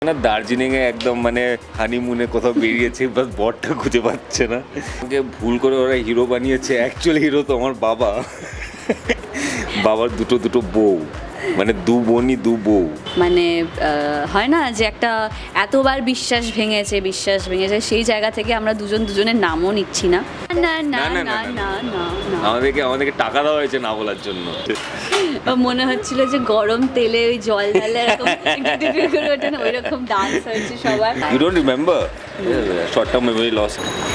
না দার্জিলিংয়ে একদম মানে হানিমুনে কোথাও বেরিয়েছে, বাস বরটা খুঁজে পাচ্ছে না। আমাকে ভুল করে ওরা হিরো বানিয়েছে, অ্যাকচুয়ালি হিরো তো আমার বাবা। বাবার দুটো বউ, মানে দু বোনই দু বউ। মানে হয় না যে একটা এতবার বিশ্বাস ভেঙেছে সেই জায়গা থেকে আমরা দুজনের নামও নিচ্ছি না। না না না, না না, না না। না না আমাদেরকে টাকা দেওয়া হয়েছে না বলার জন্য। মনে হচ্ছিল যে গরম তেলে ওই জল ঢালে এরকম টিপটিপি করে ওঠে না, ওইরকম ডান্স হয়েছে সবার। You don't remember? Short term memory loss.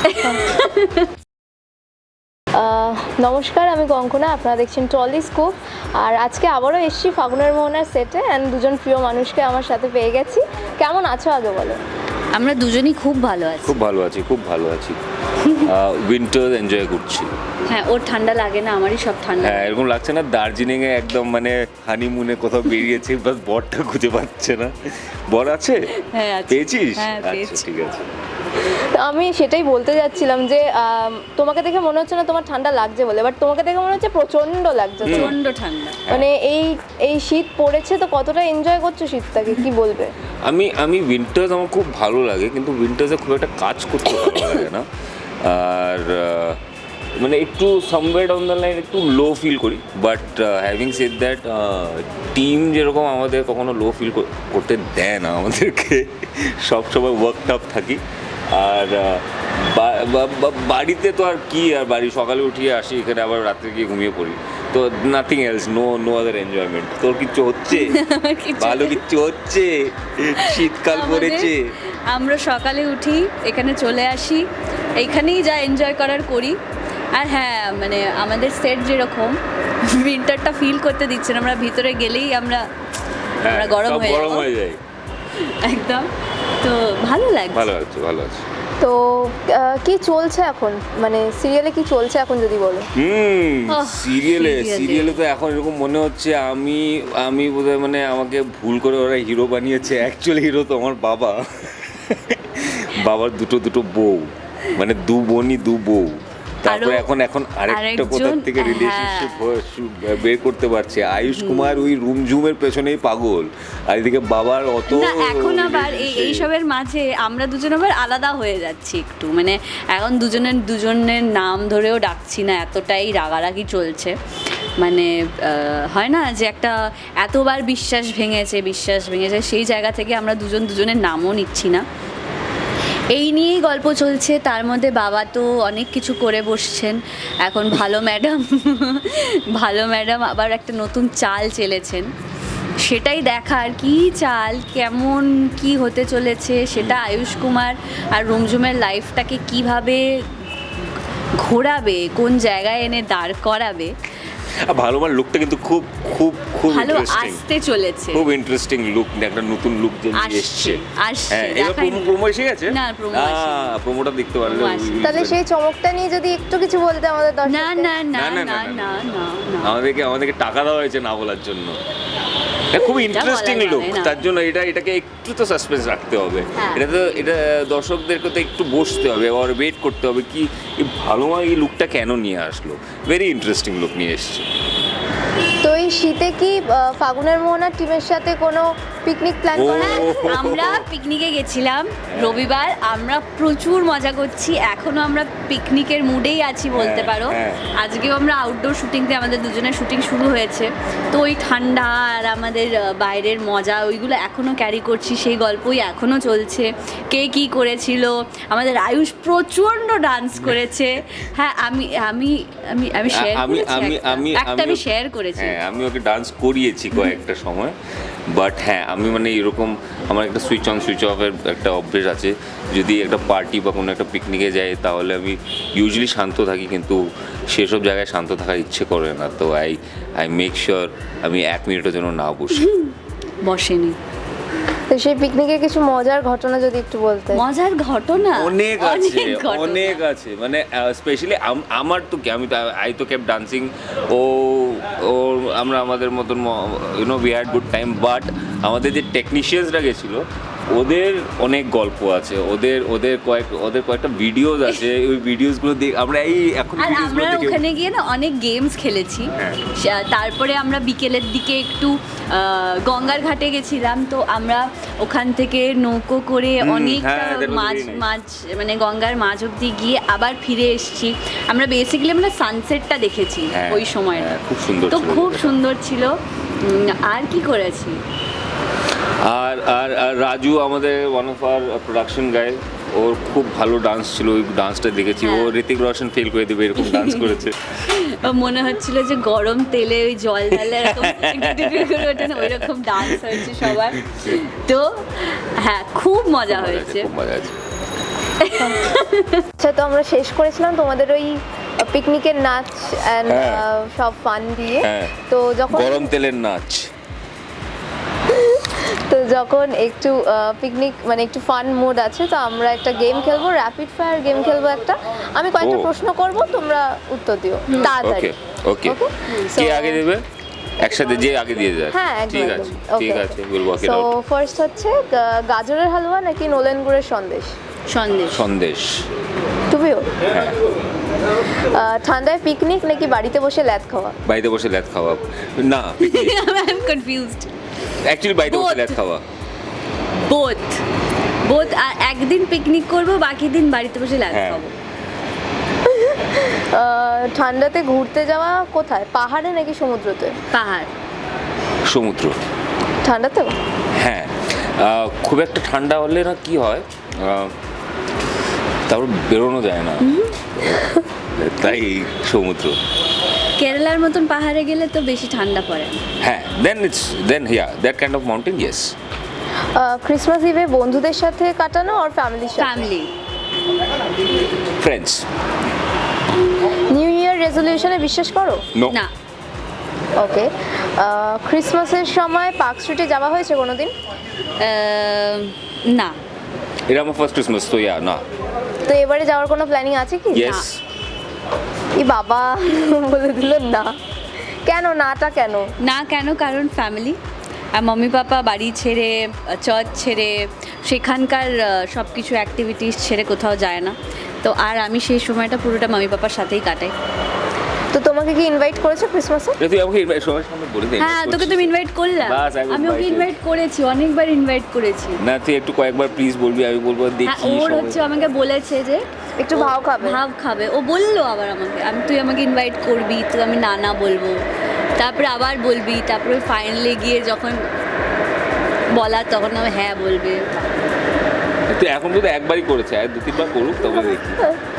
নমস্কার, আমি কঙ্কনা, আপনারা দেখছেন টলি স্কুপ। আর আজকে আবারও এসেছি ফাগুনের মোহনার সেটে, অ্যান্ড দুজন প্রিয় মানুষকে আমার সাথে পেয়ে গেছি। কেমন আছো আগে বলো? আমরা দুজনই খুব ভালো আছি। খুব ভালো আছি। উইন্টার এনজয় করছি। হ্যাঁ, ওর ঠান্ডা লাগে না, আমারই সব ঠান্ডা। হ্যাঁ, এরকম লাগছে না দার্জিলিংয়ে একদম মানে হানিমুনে কোথাও বেরিয়েছে, বাস বরটা খুঁজে পাচ্ছে না। বর আছে? হ্যাঁ আছে। পেয়েছিস? হ্যাঁ, আচ্ছা, পেয়েছি। ঠিক আছে। তো আমি সেটাই বলতে যাচ্ছিলাম যে তোমাকে দেখে মনে হচ্ছে না তোমার ঠান্ডা লাগছে বলে, বাট তোমাকে দেখে মনে হচ্ছে প্রচণ্ড লাগছে। প্রচণ্ড ঠান্ডা। মানে এই শীত পড়েছে, তো কতটা এনজয় করছো শীতটাকে, কি বলবে? আমি উইন্টার্স আমার খুব ভালো লাগে, কিন্তু উইন্টার্সে খুব একটা কাজ করতে ভালো লাগে না। আর মানে একটু সামওয়্যার ডাউন দ্য লাইন একটু লো ফিল করি, but having said that team যেরকম আমাদের কখনো লো ফিল করতে দেয় না আমাদেরকে। সব সময় ওয়ার্ক টাপ থাকি। আর বাড়িতে তো আর কি, আর বাড়ি সকালে উঠিয়ে আসি এখানে, আবার রাত্রে গিয়ে ঘুমিয়ে পড়ি। তো nothing else, no other enjoyment. তোর কিচ্ছু হচ্ছে? ভালো কিচ্ছু হচ্ছে? শীতকাল পড়েছে, আমরা সকালে উঠি, এখানে চলে আসি, এইখানেই যা এনজয় করার করি। আর হ্যাঁ, মানে আমাদের সেট যেরকম উইন্টারটা ফিল করতে দিচ্ছে না, আমরা ভিতরে গেলেই আমরা গরম হয়ে যায় একদম। তো ভালো লাগছে। ভালো আছে। তো কি চলছে এখন, মানে সিরিয়ালে কি চলছে এখন যদি বলো? সিরিয়ালে তো এখন এরকম মনে হচ্ছে আমি বোধহয় মানে আমাকে ভুল করে ওরা হিরো বানিয়েছে, অ্যাকচুয়ালি হিরো তো আমার বাবা। বাবার দুটো বউ, মানে দু বোনই দু বউ। তারপরে এখন আরেকটা কোথা থেকে রিলেশনশিপ বের করতে পারছে। আয়ুষ কুমার ওই রুমঝুমের পেছনেই পাগল, আর এদিকে বাবার অত না, এখন আবার এইসবের মাঝে আমরা দুজন আবার আলাদা হয়ে যাচ্ছি একটু, মানে এখন দুজনের নাম ধরেও ডাকছি না, এতটাই রাগারাগি চলছে। মানে হয় না যে একটা এতবার বিশ্বাস ভেঙেছে সেই জায়গা থেকে আমরা দুজনের নামও নিচ্ছি না। এই নিয়েই গল্প চলছে। তার মধ্যে বাবা তো অনেক কিছু করে বসছেন এখন। ভালো ম্যাডাম আবার একটা নতুন চাল চেলেছেন, সেটাই দেখার। কি চাল, কেমন কি হতে চলেছে সেটা আয়ুষ কুমার আর রুমঝুমের লাইফটাকে কিভাবে ঘোরাবে, কোন জায়গায় এনে দাঁড় করাবে। ভালো আমার লুকটা কিন্তু খুব খুব খুব ভালো ইন্টারেস্টিং, আসতে চলেছে। খুব ইন্টারেস্টিং লুক, একটা নতুন লুক যে এসেছে। হ্যাঁ, এবার প্রোমো এসে গেছে। না, প্রোমোটা দেখতে পারলে। তাহলে সেই চমকটা নিয়ে যদি একটু কিছু বলতে আমাদের দর্শকদের। না না না না না না না আমাদেরকে টাকা দেওয়া হয়েছে না বলার জন্য। খুব ইন্টারেস্টিং লুক, তার জন্য এটাকে একটু তো সাসপেন্স রাখতে হবে। এটা দর্শকদেরকে তো একটু বসতে হবে, আর ওয়েট করতে হবে কি ভালো এই লুকটা কেন নিয়ে আসলো। ভেরি ইন্টারেস্টিং লুক নিয়ে এসছে। তো এই শীতে কি ফাগুনের মোহনার টিমের সাথে কোনো পিকনিক প্ল্যান করা? আমরা পিকনিকে গেছিলাম রবিবার, আমরা প্রচুর মজা করছি, এখনো আমরা পিকনিকের মুডেই আছি বলতে পারো। আজকেও আমরা আউটডোর শুটিংতে, আমাদের দুজনের শুটিং শুরু হয়েছে, তো ওই ঠান্ডা আর আমাদের বাইরের মজা ওইগুলো এখনো ক্যারি করছি, সেই গল্পই এখনো চলছে। কে কি করেছিল, আমাদের আয়ুষ প্রচণ্ড ডান্স করেছে। হ্যাঁ, আমি শেয়ার করেছি। হ্যাঁ, আমি ওকে ডান্স করিয়েছি কয়েকটা সময়, বাট হ্যাঁ আমি মানে এরকম আমার একটা সুইচ অন সুইচ অফের একটা অভ্যেস আছে। যদি একটা পার্টি বা কোনো একটা পিকনিকে যাই তাহলে আমি ইউজুয়ালি শান্ত থাকি, কিন্তু সেসব জায়গায় শান্ত থাকার ইচ্ছে করে না। তো আই মেক শিওর আমি 1 মিনিটের জন্য না বসেনি। তো সেই পিকনিকে কিছু মজার ঘটনা যদি একটু বলতে। মজার ঘটনা অনেক আছে মানে স্পেশালি আমার তো কি, আমি তো আই তো কেপ ডান্সিং। ও আমরা আমাদের মতন we had good time, but আমাদের যে টেকনিশিয়ানসরা গেছিলো ওদের অনেক গল্প আছে, ওদের কয়েকটা ভিডিওস আছে, ওই ভিডিওসগুলো আমরা এই এখন আর ভিডিওসগুলো আমরা দেখে ওখানে গিয়ে না অনেক গেমস খেলেছি। হ্যাঁ। তারপরে আমরা বিকেলের দিকে একটু গঙ্গার ঘাটে গেছিলাম, তো আমরা ওখান থেকে নৌকো করে অনেকটা হ্যাঁ, that was much very nice. মাছ মানে গঙ্গার মাঝ অব্দি গিয়ে আবার ফিরে এসেছি। আমরা বেসিক্যালি আমরা সানসেটটা দেখেছি হ্যাঁ, ওই সময়টা, হ্যাঁ, খুব সুন্দর তো ছিল খুব জায়গাটা। সুন্দর ছিল। আর কি করেছি, আর আর আর রাজু আমাদের one of our production guy, ওর খুব ভালো ডান্স ছিল, ওই ডান্সটা দেখেছি। ও হ্যাঁ। ঋতিক রোশন ফেল করে দেবে এরকম ডান্স করেছে। মনে হচ্ছিল যে গরম তেলে ওই জল ঢালে এরকম টিপটিপি করে ওঠে না, ওই রকম ডান্স হয়েছে সবার। তো হ্যাঁ, খুব মজা হয়েছে। খুব মজা আছে। আচ্ছা, তো আমরা শেষ করেছিলাম তোমাদের ওই পিকনিকের নাচ অ্যান্ড হ্যাঁ। সব ফান দিয়ে। হ্যাঁ। তো যখন গরম তেলের নাচ। একটু পিকনিক মানে একটু ফান মুড আছে, তো আমরা একটা গেম খেলবো, র্যাপিড ফায়ার গেম খেলবো একটা। আমি কয়েকটা ও। প্রশ্ন করব, তোমরা উত্তর দিও তাড়াতাড়ি। ওকে Okay? কে So- আগে দেবে? একসাথে যে আগে দিয়ে যায়। হ্যাঁ, একদম, ঠিক একদম। আছে, Okay, ঠিক okay. আছে, will work it So out. First হচ্ছে গাজরের হালুয়া নাকি নলেন গুড়ের সন্দেশ? সন্দেশ। সন্দেশ। তুমিও? হ্যাঁ, ঠান্ডায় পিকনিক নাকি বাড়িতে বসে ল্যাদ খাওয়া? বাড়িতে বসে ল্যাদ খাওয়া। না, আই এম কনফিউজড। অ্যাকচুয়ালি বাড়িতে বসে Both. ল্যাদ খাওয়া। Both both. আর একদিন পিকনিক করব, বাকি দিন বাড়িতে বসে লাগ হ্যাঁ। খাবো। ঠান্ডাতে ঘুরতে যাওয়া কোথায়, পাহাড়ে নাকি সমুদ্রতে? পাহাড়। সমুদ্র। ঠান্ডাতেও? হ্যাঁ, খুব একটা ঠান্ডা হলে না কি হয়, তারপর বেরোনো যায় না, তাই সমুদ্র। কেরালার মতন পাহাড়ে গেলে তো বেশি ঠান্ডা পড়ে। হ্যাঁ, then that kind of mountain, yes. Christmas ইভে বন্ধুদের সাথে কাটানো আর ফ্যামিলির সাথে? ফ্যামিলি। ফ্রেন্ডস। নিউ ইয়ার রেজলিউশনে বিশ্বাস করো? নো। না। ওকে। ক্রিসমাসের সময় পার্ক স্ট্রিটে যাওয়া হয়েছে কোনোদিন? না। এটা আমার ফার্স্ট ক্রিসমাস, তো ইয়া না। তো এবারে যাওয়ার কোনো প্ল্যানিং আছে কি? ইয়েস। ই বাবা, বলে দিল না। কেন নাটা কেন? না কেন, কারণ ফ্যামিলি। আর মাম্মি পাপা বাড়ি ছেড়ে, চার্চ ছেড়ে, সেখানকার সব কিছু অ্যাক্টিভিটিস ছেড়ে কোথাও যায় না। তো আর আমি সেই সময়টা পুরোটা মাম্মি পাপার সাথেই কাটাই। তো তোমাকে কি ইনভাইট করেছে ক্রিসমাসে? তুই আমাকে সবার সামনে বলে দে। হ্যাঁ, তোকে তুমি ইনভাইট করলাম। বাস, I was আমি ওকে invited. ইনভাইট করেছি, অনেকবার ইনভাইট করেছি। না, তুই একটু কয়েকবার প্লিজ বলবি, আমি বলবো হ্যাঁ, দেখি। ওর সবাই- হচ্ছে আমাকে বলেছে যে একটু ও ভাও খাবে। ভাব খাবে। ও বললো আবার আমাকে, তুই আমাকে ইনভাইট করবি, তুই আমি না বলবো, তারপরে আবার বলবি, তারপরে ফাইনালি গিয়ে যখন বলা তখন আমি হ্যাঁ বলবে। তুই এখন তো একবারই করেছে, আর 2-3বার করুক তবে দেখি।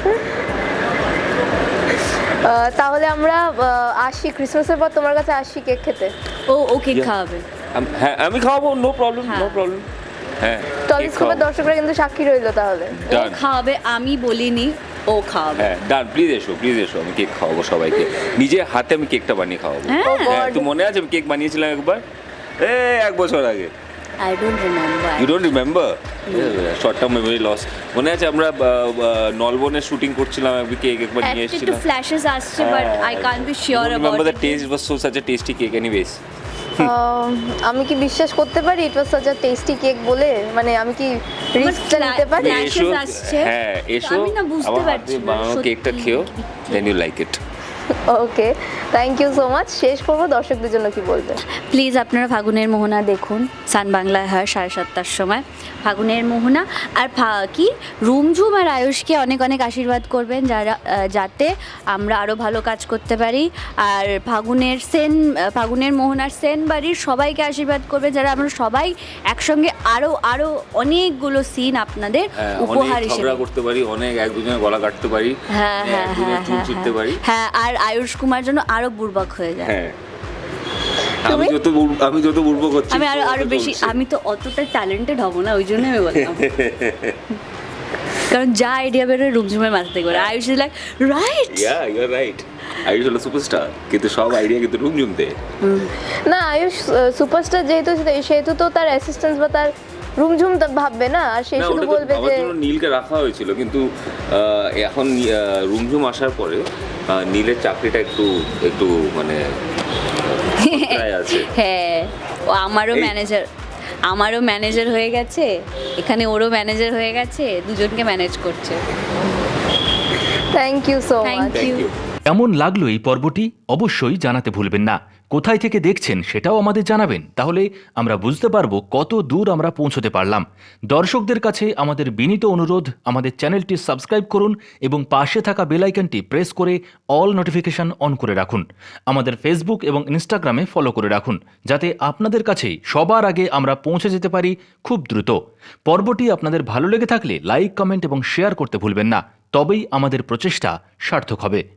তাহলে আমরা আসি, ক্রিসমাসের পর তোমার কাছে আসি কেক খেতে। ও কেক খাওয়াবে। হ্যাঁ, আমি খাওয়াবো, নো প্রবলেম, হ্যাঁ। No problem. হ্যাঁ, টলিস্কোপের দর্শকরা কিন্তু সাক্ষী রইলো তাহলে। ও ডান। খাওয়াবে, আমি বলিনি, ও খাওয়াবে। হ্যাঁ, ডান, প্লিজ এসো, আমি কেক খাওয়াবো সবাইকে। নিজের হাতে আমি কেকটা বানিয়ে খাওয়াবো। হ্যাঁ। Oh God. হ্যাঁ, তুই মনে আছে আমি কেক বানিয়েছিলাম একবার, 1 বছর আগে? I don't remember. You don't remember? Short term memory loss. মনে আছে আমরা নলবনের শুটিং করছিলাম, আমি কেক একবার নিয়ে একটু এসেছিলাম। ফ্ল্যাশেস আসছে, but I can't be sure remember about the taste was so such a tasty cake anyways. আমি কি বিশ্বাস করতে পারি it was such a tasty cake বলে? মানে আমি কি রিস্কটা নিতে পারি? Flashes আসছে। হ্যাঁ, এসো, আমি না বুঝতে আমার হাতে পারছি না, বানানো সত্যি। কেকটা খেও, then you like it. Okay, thank you so much. শেষ করবো, দর্শকদের জন্য কি বলবে? প্লিজ আপনারা ফাগুনের মোহনা দেখুন, সান বাংলায় হয় 7:30টার সময় ফাগুনের মোহনা। আর কি রুমঝুম আর আয়ুষকে অনেক অনেক আশীর্বাদ করবেন, যাতে আমরা আরও ভালো কাজ করতে পারি। আর ফাগুনের মোহনার সেন বাড়ির সবাইকে আশীর্বাদ করবেন, যারা আমরা সবাই একসঙ্গে আরও অনেকগুলো সিন আপনাদের উপহার অনেক হিসেবে। ঝগড়া করতে পারি, অনেক এক দুজনের গলা কাটতে পারি, হ্যাঁ হ্যাঁ একজনের হ্যাঁ চুল হ্যাঁ ছিঁড়তে পারি। হ্যাঁ, আর আয়ুষ কুমার জন্য আরও বুর্বক হয়ে যায়। হ্যাঁ, তুমি? আমি যত বুড়বো করছি, আমি আরো তত বেশি, চলছে। আমি তো অতটা ট্যালেন্টেড হব না, ওই জন্য আমি বললাম। কারণ যা আইডিয়া বেরোয় রুমঝুমের মাথা থেকে বেরোয়। Ayush is like right. Yeah, you are right. Ayush হলো সুপারস্টার, কিন্তু সব আইডিয়া কিন্তু রুমঝুম দেয়। না, আয়ুষ সুপারস্টার যেহেতু, সেহেতু তো তার অ্যাসিস্ট্যান্স বা তার রুমঝুম ভাববে না, আর সে না, শুধু ওটা তো বলবে আমার যে জন্য নীলকে রাখা হয়েছিল, কিন্তু এখন রুমঝুম আসার পরে নীলের চাকরিটা একটু মানে প্রায় আছে। হ্যাঁ, ও আমারও এই- ম্যানেজার। আমারও ম্যানেজার হয়ে গেছে, এখানে ওরও ম্যানেজার হয়ে গেছে, দুজনকে ম্যানেজ করছে। Thank you so thank much. You. কেমন লাগলো এই পর্বটি অবশ্যই জানাতে ভুলবেন না। কোথায় থেকে দেখছেন সেটাও আমাদের জানাবেন, তাহলে আমরা বুঝতে পারবো কত দূর আমরা পৌঁছতে পারলাম। দর্শকদের কাছে আমাদের বিনীত অনুরোধ, আমাদের চ্যানেলটি সাবস্ক্রাইব করুন এবং পাশে থাকা বেল আইকনটি প্রেস করে অল নোটিফিকেশন অন করে রাখুন। আমাদের ফেসবুক এবং ইনস্টাগ্রামে ফলো করে রাখুন, যাতে আপনাদের কাছে সবার আগে আমরা পৌঁছে যেতে পারি খুব দ্রুত। পর্বটি আপনাদের ভালো লেগে থাকলে লাইক, কমেন্ট এবং শেয়ার করতে ভুলবেন না, তবেই আমাদের প্রচেষ্টা সার্থক হবে।